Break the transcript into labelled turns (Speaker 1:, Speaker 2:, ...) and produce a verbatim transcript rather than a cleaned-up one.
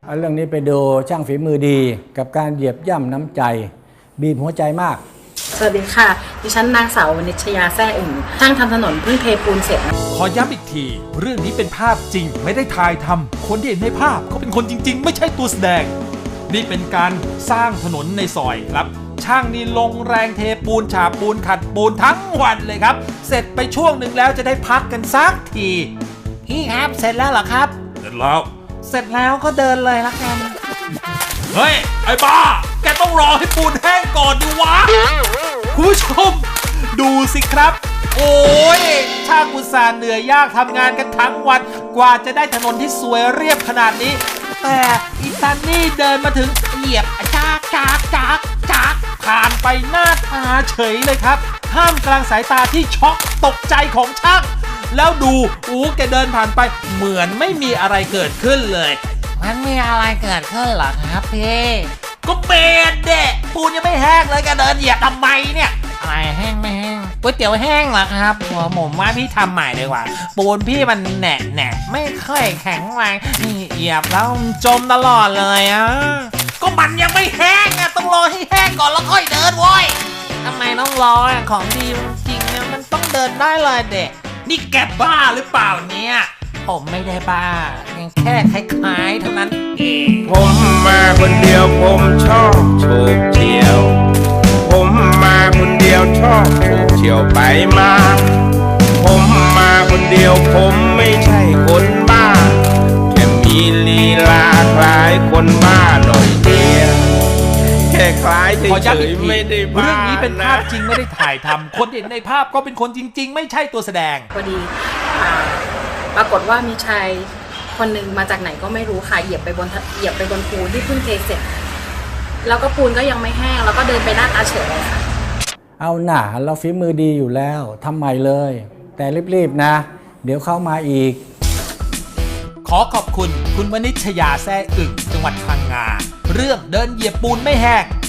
Speaker 1: เอาเรื่องนี้ไปดูช่างฝีมือดีกับการเหยียบย่ำน้ำใจบีบหัวใจมาก
Speaker 2: สวัสดีค่ะดิฉันนางสาววณิชยาแซ่อึ่งช่างทำถนนเพิ่งเทปูนเสร็จ
Speaker 3: ขอย้ำอีกทีเรื่องนี้เป็นภาพจริงไม่ได้ถ่ายทำคนที่เห็นในภาพเขาเป็นคนจริงๆไม่ใช่ตัวแสดงนี่เป็นการสร้างถนนในซอยครับช่างนี่ลงแรงเทปูนฉาบปูนขัดปูนทั้งวันเลยครับเสร็จไปช่วงหนึ่งแล้วจะได้พักกันสักทีพี่ครับเสร็จแล้วเหรอครับเสร็จแล้วเสร็จแล้วก็เดินเลยละกันเฮ้ยไอ้บ้าแกต้องรอให้ปูนแห้งก่อนดิวะคุณผู้ชมดูสิครับโอ้ยช่างอุตส่าห์เหนื่อยยากทำงานกันทั้งวันกว่าจะได้ถนนที่สวยเรียบขนาดนี้แต่อีซันนี่เดินมาถึงเหยียบจากจากจากจากผ่านไปหน้าตาเฉยเลยครับท่ามกลางสายตาที่ช็อกตกใจของช่างแล้วดูอู้แกเดินผ่านไปเหมือนไม่มีอะไรเกิดขึ้นเลยมันมีอะไรเกิดขึ้นเหรอครับพี่ก็เบนเด็ปูนยังไม่แห้งเลยแกเดินเหยียบทำไมเนี่ยอะไรแห้งไม่แห้งก๋วยเตี๋ยวแห้งเหรอครับหัวผมว่าพี่ทำใหม่ดีกว่าปูนพี่มันแหนะแหนะไม่ค่อยแข็งแรงนี่เหยียบแล้วจมตลอดเลยอ่ะก็มันยังไม่แห้งอ่ะต้องรอให้แห้งก่อนแล้วค่อยเดินโว้ยทำไมต้องรออ่ะของดีจริงเนี่ยมันต้องเดินได้เลยเด็กนี่แกบ้าหรือเปล่าเนี่ยผมไม่ได้บ้ายังแค่คล้ายๆเท่านั้นเอง
Speaker 4: ผมมาคนเดียวผมชอบโฉบเฉี่ยวผมมาคนเดียวชอบโฉบเฉี่ยวไปมาผมมาคนเดียวผมไม่ใช่คนบ้าแค่มีลีลาคล้ายคนบ้าหน่อยเดียวแค่คล้ายเฉยๆไม่ได้บ้า
Speaker 3: เรื่องนี้เป็นภาพจริงไม่ได้ถ่ายทำคนเห็นในภาพก็เป็นคนจริงๆไม่ใช่ตัวแสดง
Speaker 2: พอดีปรากฏว่ามีชายคนหนึ่งมาจากไหนก็ไม่รู้ค่ะเหยียบไปบนเหยียบไปบนปูนที่เพิ่งเทเสร็จแล้วก็ปูนก็ยังไม่แห้งแล้วก็เดินไปหน้าตาเฉยเลยค่ะ
Speaker 1: เอาหน่าเราฝีมือดีอยู่แล้วทำใหม่เลยแต่รีบๆนะเดี๋ยวเข้ามาอีก
Speaker 3: ขอขอบคุณคุณวณิชยาแซ่อึ่งจังหวัดพังงาเรื่องเดินเหยียบปูนไม่แห้ง